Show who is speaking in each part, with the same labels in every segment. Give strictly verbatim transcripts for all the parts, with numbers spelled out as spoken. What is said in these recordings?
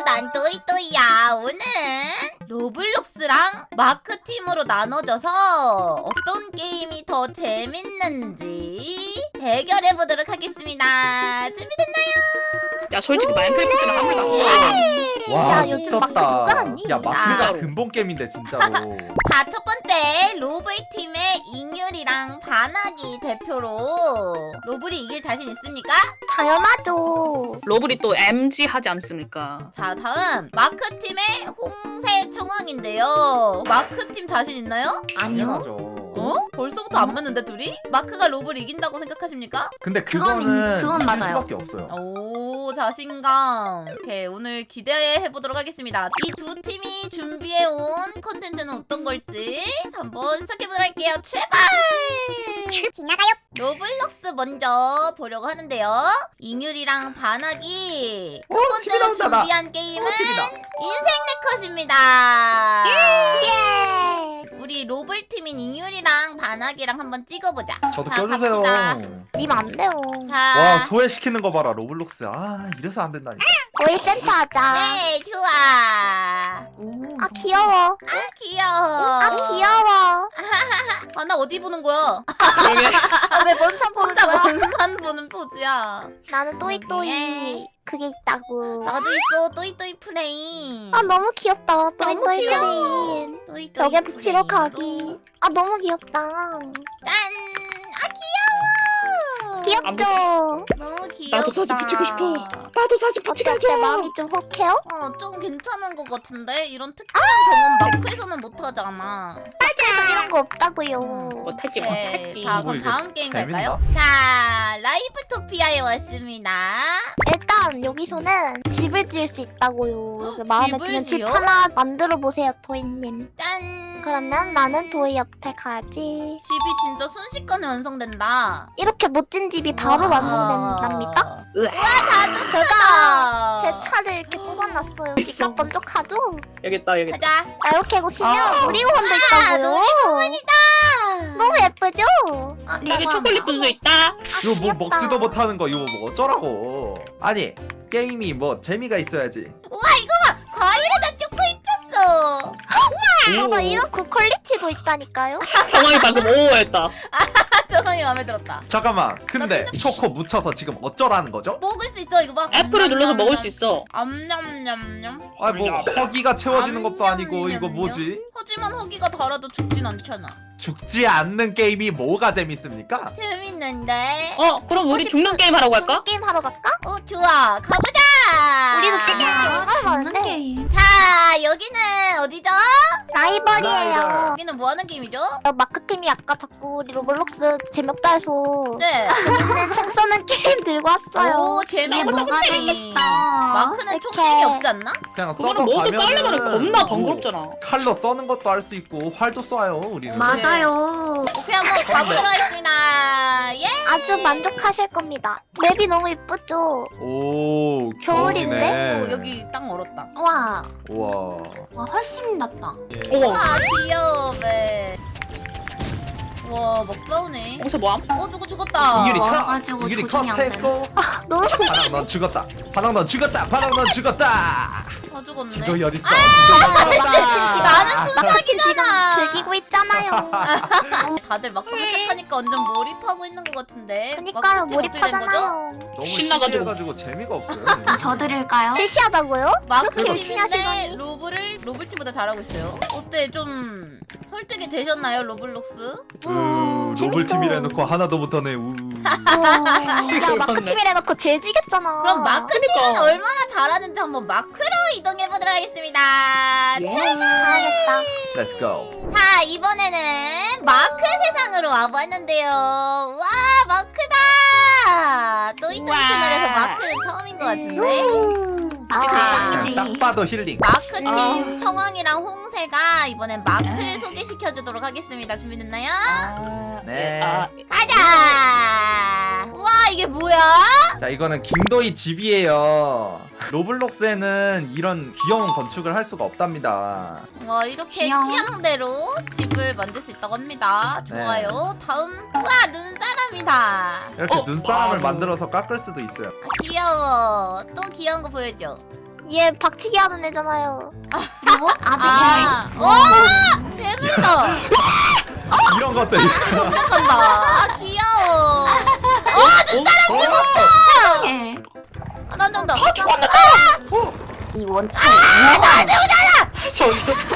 Speaker 1: 난 또이또이야. 오늘은 로블록스랑 마크팀으로 나눠져서 어떤 게임이 더 재밌는지 대결해보도록 하겠습니다. 준비됐나요?
Speaker 2: 야 솔직히 마인크래프트는 한물 났어.
Speaker 3: 와
Speaker 4: 야, 요즘 마크
Speaker 3: 미쳤다.
Speaker 4: 누가 하니?
Speaker 3: 야 마크가
Speaker 2: 진짜로.
Speaker 3: 근본 게임인데 진짜로.
Speaker 1: 자, 첫 번째 로블팀의 잉율이랑 바나기 대표로 로블이 이길 자신 있습니까?
Speaker 4: 당연하죠.
Speaker 2: 러블이 또 엠지 하지 않습니까?
Speaker 1: 자, 다음 마크팀의 홍세 총왕인데요. 마크팀 자신 있나요?
Speaker 3: 당연하죠.
Speaker 1: 어? 벌써부터 안 맞는데 둘이? 마크가 로블 이긴다고 생각하십니까?
Speaker 3: 근데
Speaker 4: 그건
Speaker 3: 그거는
Speaker 4: 그건
Speaker 3: 이길
Speaker 4: 맞아요.
Speaker 3: 수밖에 없어요.
Speaker 1: 오, 자신감. 오케이, 오늘 기대해보도록 하겠습니다. 이 두 팀이 준비해온 컨텐츠는 어떤 걸지 한번 시작해보도록 할게요. 출발! 지나가요! 로블록스 먼저 보려고 하는데요. 잉율이랑 바나기 첫
Speaker 3: 오, 팀이
Speaker 1: 번째로
Speaker 3: 나온다, 나.
Speaker 1: 준비한 게임은
Speaker 3: 오, 팀이다.
Speaker 1: 인생 네컷입니다.
Speaker 4: 예.
Speaker 1: 우리 로블팀인 잉율이랑 바나기랑 한번 찍어보자.
Speaker 3: 저도
Speaker 1: 자,
Speaker 3: 껴주세요.
Speaker 1: 갑시다.
Speaker 4: 님 안 돼요.
Speaker 1: 자,
Speaker 3: 와 소외시키는 거 봐라 로블록스. 아 이래서 안 된다니까.
Speaker 4: 거의 센터 하자.
Speaker 1: 네, 좋아.
Speaker 4: 아 귀여워.
Speaker 1: 아, 귀여워.
Speaker 4: 아 귀여워.
Speaker 1: 아, 나 어디 보는 거야?
Speaker 2: 그러게.
Speaker 4: 아, 왜 먼산 보는
Speaker 1: 혼자
Speaker 4: 거야?
Speaker 1: 먼산 보는 포즈야.
Speaker 4: 나는 또이또이
Speaker 1: 예.
Speaker 4: 그게 있다고.
Speaker 1: 나도 있어, 또이또이 프레임.
Speaker 4: 아 너무 귀엽다.
Speaker 1: 너무
Speaker 4: 또이또이
Speaker 1: 귀여워.
Speaker 4: 프레임.
Speaker 1: 또이또이
Speaker 4: 벽에 붙이러
Speaker 1: 프레임으로.
Speaker 4: 가기. 아 너무 귀엽다.
Speaker 1: 짠! 아, 귀여워.
Speaker 4: 귀엽죠?
Speaker 1: 너무 귀엽다.
Speaker 2: 나도 사진 붙이고 싶어. 나도 사진 붙이게
Speaker 4: 어때?
Speaker 2: 해줘.
Speaker 4: 마음이 좀 혹해요?
Speaker 1: 어, 좀 괜찮은 것 같은데? 이런 특별한 경험 마크에서는 못하잖아.
Speaker 4: 그래서 이런 거 없다고요.
Speaker 2: 못하지
Speaker 1: 네,
Speaker 2: 못하지.
Speaker 1: 자,
Speaker 3: 오,
Speaker 1: 그럼
Speaker 3: 이거
Speaker 1: 다음 게임
Speaker 3: 재밌나?
Speaker 1: 갈까요? 자, 라이프토피아에 왔습니다.
Speaker 4: 일단 여기서는 집을 지을 수 있다고요. 여기 마음에
Speaker 1: 집을
Speaker 4: 드는 집
Speaker 1: 지어?
Speaker 4: 하나 만들어 보세요, 도희님.
Speaker 1: 짠!
Speaker 4: 그러면 나는 도희 옆에 가야지.
Speaker 1: 집이 진짜 순식간에 완성된다.
Speaker 4: 이렇게 멋진 집이 바로
Speaker 1: 와.
Speaker 4: 완성된답니다.
Speaker 1: 다도
Speaker 4: 제가 제 차를 이렇게 뽑아놨어요.
Speaker 2: 있어.
Speaker 4: 니가 번쩍하죠?
Speaker 2: 여기 있다 여기 있다.
Speaker 1: 가자.
Speaker 4: 아, 이렇게 보시면
Speaker 2: 아.
Speaker 4: 놀이공원도
Speaker 1: 아,
Speaker 4: 있다고요.
Speaker 1: 놀이공원이다.
Speaker 4: 너무 예쁘죠? 아,
Speaker 2: 여기 초콜릿 분수 있다.
Speaker 3: 이거 뭐
Speaker 4: 귀엽다.
Speaker 3: 먹지도 못하는 거 이거 뭐 어쩌라고. 아니 게임이 뭐 재미가 있어야지.
Speaker 1: 우와, 이거 봐. 과일에다 초코 입혔어.
Speaker 4: 봐봐,
Speaker 3: 오.
Speaker 4: 이런 고퀄리티도 있다니까요.
Speaker 2: 정황이 방금 오했다.
Speaker 1: 저놈이 마음에 들었다.
Speaker 3: 잠깐만. 근데 초코 묻혀서 지금 어쩌라는 거죠?
Speaker 1: 먹을 수 있어, 이거 봐.
Speaker 2: F를 눌러서 먹을 수 있어.
Speaker 1: 암냠냠냠.
Speaker 3: 아니 뭐 허기가 채워지는 것도 아니고
Speaker 1: 암냠냠냠.
Speaker 3: 이거 뭐지?
Speaker 1: 하지만 허기가 달아도 죽진 않잖아.
Speaker 3: 죽지 않는 게임이 뭐가 재밌습니까?
Speaker 1: 재밌는데?
Speaker 2: 어 그럼 우리 죽는 게임 하라고 할까?
Speaker 4: 게임 하러 갈까?
Speaker 1: 어, 좋아. 가보자.
Speaker 4: 우리도 찍는 게 얼마나 많은데.
Speaker 1: 자, 여기는 어디죠?
Speaker 4: 라이벌이에요.
Speaker 1: 여기는 뭐 하는 게임이죠?
Speaker 4: 어, 마크팀이 아까 자꾸 우리 로블록스 재미없다 해서
Speaker 1: 네.
Speaker 4: 재밌는 총 쏘는 게임 들고 왔어요.
Speaker 1: 오, 재밌는
Speaker 4: 뭐가
Speaker 1: 게임.
Speaker 4: 재밌어?
Speaker 1: 마크는
Speaker 4: 이렇게.
Speaker 1: 총쟁이 없지 않나?
Speaker 3: 그냥
Speaker 2: 그거는
Speaker 3: 서버
Speaker 2: 모두
Speaker 3: 가면은
Speaker 2: 깔려면 겁나
Speaker 3: 뭐
Speaker 2: 번거롭잖아.
Speaker 3: 칼로 써는 것도 할 수 있고 활도 쏴요 우리는.
Speaker 1: 마-
Speaker 4: 맞아요.
Speaker 1: 오케이, 한번 가보도록 하겠습니다. 예!
Speaker 4: 아주 만족하실 겁니다. 맵이 너무 이쁘죠?
Speaker 3: 오
Speaker 4: 겨울인데?
Speaker 3: 겨울이네.
Speaker 1: 오, 여기 딱 얼었다.
Speaker 4: 와,
Speaker 3: 우와.
Speaker 4: 와 훨씬 낫다.
Speaker 3: 예.
Speaker 2: 오.
Speaker 1: 와, 귀여워, 배. 우와, 막 싸우네.
Speaker 2: 여기서 뭐함?
Speaker 1: 어, 누구 죽었다.
Speaker 3: 이유리
Speaker 4: 와가지고
Speaker 3: 컷. 이유리
Speaker 4: 조준이 안
Speaker 3: 컷했고.
Speaker 4: 너무 슬
Speaker 3: 바닥 넌 죽었다. 바닥 넌 죽었다. 바닥 넌 죽었다.
Speaker 1: 다 죽었네.
Speaker 3: 기도이 어딨어?
Speaker 1: 나는
Speaker 3: 기도이
Speaker 1: 순삭이잖아.
Speaker 4: 마크팀 지금 즐기고 있잖아요.
Speaker 1: 다들 막상 시작하니까 완전 몰입하고 있는 것 같은데.
Speaker 4: 그니까요,
Speaker 1: 마크팀 어떻게 된 거죠?
Speaker 4: 몰입하잖아요.
Speaker 3: 너무
Speaker 2: 신나가지고.
Speaker 3: 신나가지고 재미가 없어요.
Speaker 4: 저 드릴까요? 실시하다고요? 그렇게 열심히
Speaker 1: 마크팀인데
Speaker 4: 하시더니.
Speaker 1: 로블을 로블팀보다 잘하고 있어요. 어때, 좀 설득이 되셨나요, 로블록스?
Speaker 3: 우,
Speaker 4: 음,
Speaker 3: 로블
Speaker 4: 재밌죠.
Speaker 3: 팀이라 해놓고 하나도 못하네. 우.
Speaker 4: 야, 마크팀이라 해놓고 제일 지겠잖아.
Speaker 1: 그럼 마크팀은
Speaker 2: 그러니까.
Speaker 1: 얼마나 잘하는지 한번 마크로 이동해보도록 하겠습니다.
Speaker 2: 예.
Speaker 4: 가야겠다.
Speaker 3: Let's go.
Speaker 1: 자, 이번에는 마크 세상으로 와봤는데요. 와, 마크다! 또이또이
Speaker 2: 우와.
Speaker 1: 채널에서 마크는 처음인 것 같은데.
Speaker 4: 아,
Speaker 1: 아.
Speaker 3: 그냥 딱 봐도 힐링.
Speaker 1: 마크팀
Speaker 2: 아.
Speaker 1: 청왕이랑 홍세가 이번엔 마크를 소개시켜주도록 하겠습니다. 준비됐나요?
Speaker 3: 네.
Speaker 2: 아,
Speaker 1: 가자! 우와, 이게 뭐야?
Speaker 3: 자 이거는 김도희 집이에요. 로블록스에는 이런 귀여운 건축을 할 수가 없답니다.
Speaker 1: 와, 이렇게
Speaker 4: 귀여워.
Speaker 1: 취향대로 집을 만들 수 있다고 합니다.
Speaker 3: 네.
Speaker 1: 좋아요. 다음, 우와, 눈사람이다.
Speaker 3: 이렇게
Speaker 2: 어?
Speaker 3: 눈사람을
Speaker 2: 와우.
Speaker 3: 만들어서 깎을 수도 있어요.
Speaker 1: 아, 귀여워. 또 귀여운 거 보여줘.
Speaker 4: 얘 박치기 하는 애잖아요. 누구? 아직
Speaker 1: 아, 와, 재밌다.
Speaker 3: 이런 것들.
Speaker 1: 간다. 아, 귀여워.
Speaker 5: 예.
Speaker 1: 아, 난 된다.
Speaker 5: 이 원칙
Speaker 2: 저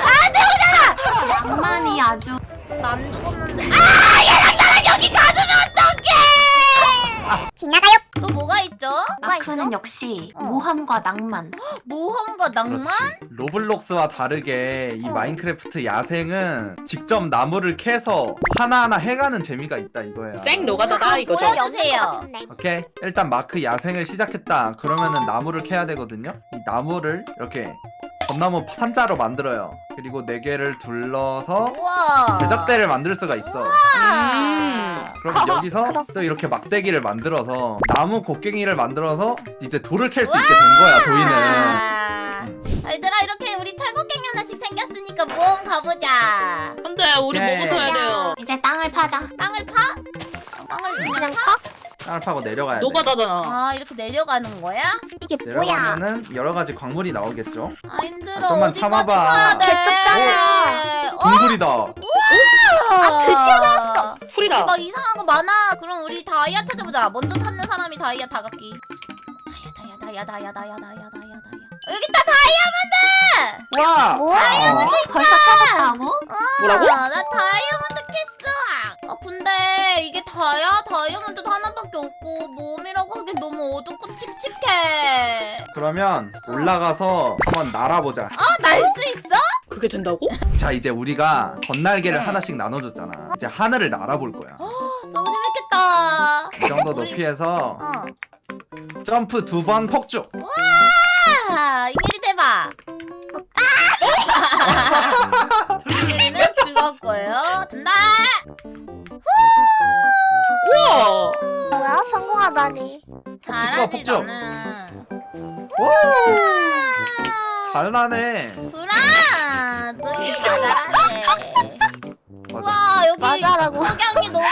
Speaker 5: 낭만이 아주
Speaker 1: 난 죽었는데. 아, 얘랑 나랑 여기 가두면 어떡해! 지나가요. 또 뭐가 있죠?
Speaker 5: 마크는 역시
Speaker 1: 어.
Speaker 5: 모험과 낭만.
Speaker 1: 모험과 낭만?
Speaker 3: 그렇지. 로블록스와 다르게 이
Speaker 1: 어.
Speaker 3: 마인크래프트 야생은 직접 나무를 캐서 하나하나 해가는 재미가 있다 이거야.
Speaker 2: 생 노가다다 이거죠.
Speaker 1: 뭐야? 보여주세요.
Speaker 3: 오케이, 일단 마크 야생을 시작했다 그러면은 나무를 캐야 되거든요. 이 나무를 이렇게 전나무 판자로 만들어요. 그리고 네 개를 둘러서
Speaker 1: 우와.
Speaker 3: 제작대를 만들 수가 있어.
Speaker 2: 음.
Speaker 3: 그럼 여기서
Speaker 4: 그럼.
Speaker 3: 또 이렇게 막대기를 만들어서 나무 곡괭이를 만들어서 이제 돌을 캘 수 있게 된 거야. 도인은.
Speaker 1: 아. 얘들아, 이렇게 우리 철곡갱이 하나씩 생겼으니까 모험 가보자.
Speaker 2: 근데 우리
Speaker 3: 오케이.
Speaker 2: 뭐부터 해야 돼요?
Speaker 5: 이제 땅을 파자.
Speaker 1: 땅을 파? 땅을 그냥
Speaker 4: 그냥
Speaker 1: 파?
Speaker 4: 파?
Speaker 3: 땅을 파고 내려가야 돼.
Speaker 2: 노가다잖아.
Speaker 1: 아, 이렇게 내려가는 거야?
Speaker 4: 이게 뭐야?
Speaker 3: 내려가면은 여러 가지 광물이 나오겠죠.
Speaker 1: 아, 힘들어.
Speaker 3: 아, 좀만
Speaker 1: 어디까지
Speaker 3: 참아봐.
Speaker 1: 가야 돼?
Speaker 4: 개쩍잖아.
Speaker 1: 어?
Speaker 3: 동굴이다.
Speaker 1: 아, 드디어 나왔어.
Speaker 2: 풀이다.
Speaker 1: 막 이상한 거 많아. 그럼 우리 다이아 찾아보자. 먼저 찾는 사람이 다이아 다각기. 다이아, 다이아, 다이아, 다이아, 다이아, 다이아, 다이아, 다이아. 여기 있다, 다이아몬드!
Speaker 3: 와.
Speaker 4: 뭐야?
Speaker 3: 어.
Speaker 5: 벌써 찾았다고?
Speaker 2: 뭐라고?
Speaker 1: 아, 나 다이아몬드 캤어. 아, 근데 이게 다야? 다이아몬드 하나밖에 없고 몸이라고 하기엔 너무 어둡고 칙칙해.
Speaker 3: 그러면 올라가서 한번 날아보자.
Speaker 1: 아, 날 수 있어?
Speaker 2: 그게 된다고?
Speaker 3: 자, 이제 우리가 건날개를
Speaker 2: 응.
Speaker 3: 하나씩 나눠줬잖아. 이제 하늘을 날아볼 거야.
Speaker 1: 너무 재밌겠다.
Speaker 3: 이 정도
Speaker 1: 우리-
Speaker 3: 높이에서
Speaker 1: 어.
Speaker 3: 점프 두 번 폭죽.
Speaker 1: 아, 이미리 대박. 이미리는 죽었고요. 된다.
Speaker 2: 우와.
Speaker 4: 뭐야? 성공하다니.
Speaker 1: 잘하지
Speaker 3: 폭죽.
Speaker 1: 너는.
Speaker 3: 잘 나네.
Speaker 1: 구라. 너희 다 잘하네.
Speaker 3: 맞아.
Speaker 1: 와, 여기
Speaker 4: 맞아라고.
Speaker 1: 석양이 너무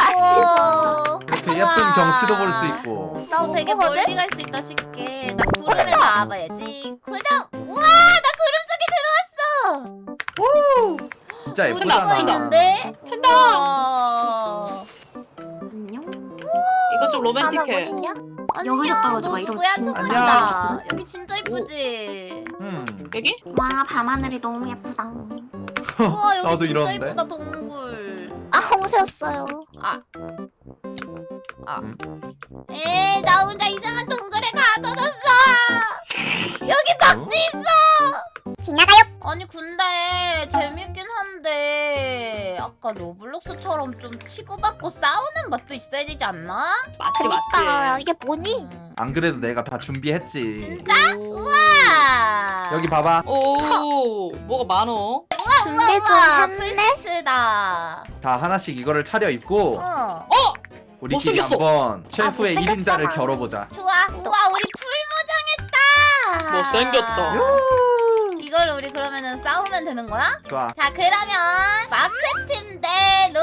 Speaker 1: 예뻐.
Speaker 3: 이렇게 예쁜 경치도 볼 수 있고.
Speaker 4: 나
Speaker 1: 어, 되게
Speaker 4: 오거든?
Speaker 1: 멀리 갈 수 있다 쉽게. 나 구름에 나와봐야지. 구름. 우와, 나 구름 속에 들어왔어.
Speaker 3: 진짜
Speaker 1: 우리
Speaker 2: 예쁘잖아.
Speaker 1: 이거
Speaker 3: 예쁘잖아.
Speaker 1: 있는데?
Speaker 2: 된다.
Speaker 1: 우와.
Speaker 5: 안녕.
Speaker 2: 이거 좀
Speaker 4: 하나
Speaker 2: 로맨틱해.
Speaker 4: 어딨냐?
Speaker 1: 안녕,
Speaker 5: 여기서 떨어져 봐.
Speaker 1: 너
Speaker 5: 이러면
Speaker 1: 누구야?
Speaker 5: 진짜
Speaker 1: 초록이다.
Speaker 5: 예쁘거든?
Speaker 1: 여기 진짜 이쁘지?
Speaker 3: 음.
Speaker 2: 여기?
Speaker 5: 와 밤하늘이 너무 예쁘다.
Speaker 1: 우와, 여기
Speaker 3: 나도
Speaker 1: 진짜
Speaker 3: 이러는데.
Speaker 1: 이쁘다, 동굴.
Speaker 4: 아 홍새였어요.
Speaker 1: 아. 아.
Speaker 3: 음.
Speaker 1: 에이, 나 혼자 이상한 동굴에 가둬졌어. 여기 박쥐 있어. 지나가요. 아니, 근데 재밌긴 한데 아까 로블록스처럼 좀 치고받고 싸우는 맛도 있어야 되지 않나?
Speaker 2: 맞지
Speaker 4: 그니까
Speaker 2: 맞지.
Speaker 4: 이게 뭐니?
Speaker 1: 음.
Speaker 3: 안 그래도 내가 다 준비했지.
Speaker 1: 진짜? 우와.
Speaker 3: 여기 봐봐.
Speaker 2: 오, 뭐가 많어?
Speaker 4: 준비 좀
Speaker 1: 우와,
Speaker 4: 했네?
Speaker 1: 풀세트다.
Speaker 3: 다 하나씩 이거를 차려입고
Speaker 1: 어.
Speaker 2: 어?
Speaker 3: 우리끼리
Speaker 2: 못생겼어.
Speaker 3: 한번 셰프의 일
Speaker 4: 못생겼잖아.
Speaker 3: 인자를 겨뤄보자.
Speaker 1: 좋아. 우와, 우리 풀무장했다.
Speaker 2: 못생겼다.
Speaker 1: 이걸 우리 그러면은 싸우면 되는 거야?
Speaker 3: 좋아.
Speaker 1: 자, 그러면 마크팀 대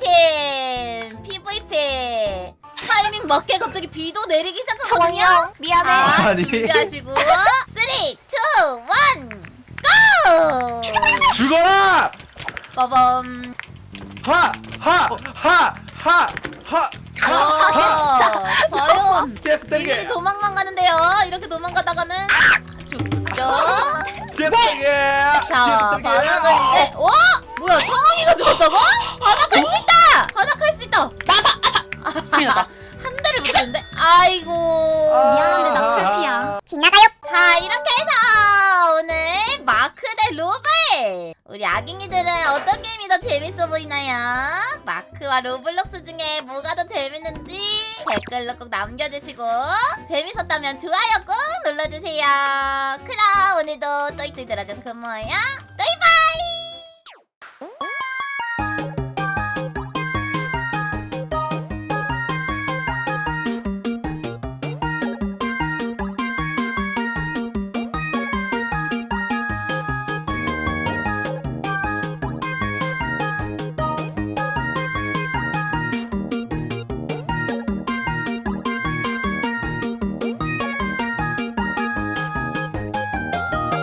Speaker 1: 로블팀 피브이피. 타이밍 맞게 갑자기 비도 내리기 시작하거든요.
Speaker 4: 정영 미안해.
Speaker 1: 아,
Speaker 3: 아니.
Speaker 1: 준비하시고 삼, 이, 일, 고!
Speaker 3: 죽어라!
Speaker 1: 빠밤.
Speaker 3: 하! 하! 하! 하! 하!
Speaker 1: 어, 과연
Speaker 3: 제스
Speaker 1: 이들이
Speaker 3: 땡게!
Speaker 1: 도망만 가는데요. 이렇게 도망가다가는 죽죠.
Speaker 3: 제스 땡게!
Speaker 1: 자,
Speaker 3: 제스
Speaker 1: 바닥을
Speaker 3: 땡게!
Speaker 1: 이제 와! 뭐야, 청왕이가 죽었다고? 바닥할 수 있다! 바닥할 수 있다!
Speaker 2: 큰일 났다.
Speaker 1: 한 대를 못했는데? 아이고.
Speaker 5: 미안한데 나 풀피야.
Speaker 1: 지나가요. 자, 이렇게 해서 오늘 마크 대 로블. 우리 아깅이들은 어떤 게임이 더 재밌어 보이나요? 마크와 로블록스 중에 뭐가 더 재밌는지 댓글로 꼭 남겨주시고 재밌었다면 좋아요 꼭 눌러주세요. 그럼 오늘도 또이또이 들어줘서 고마워요. 또이.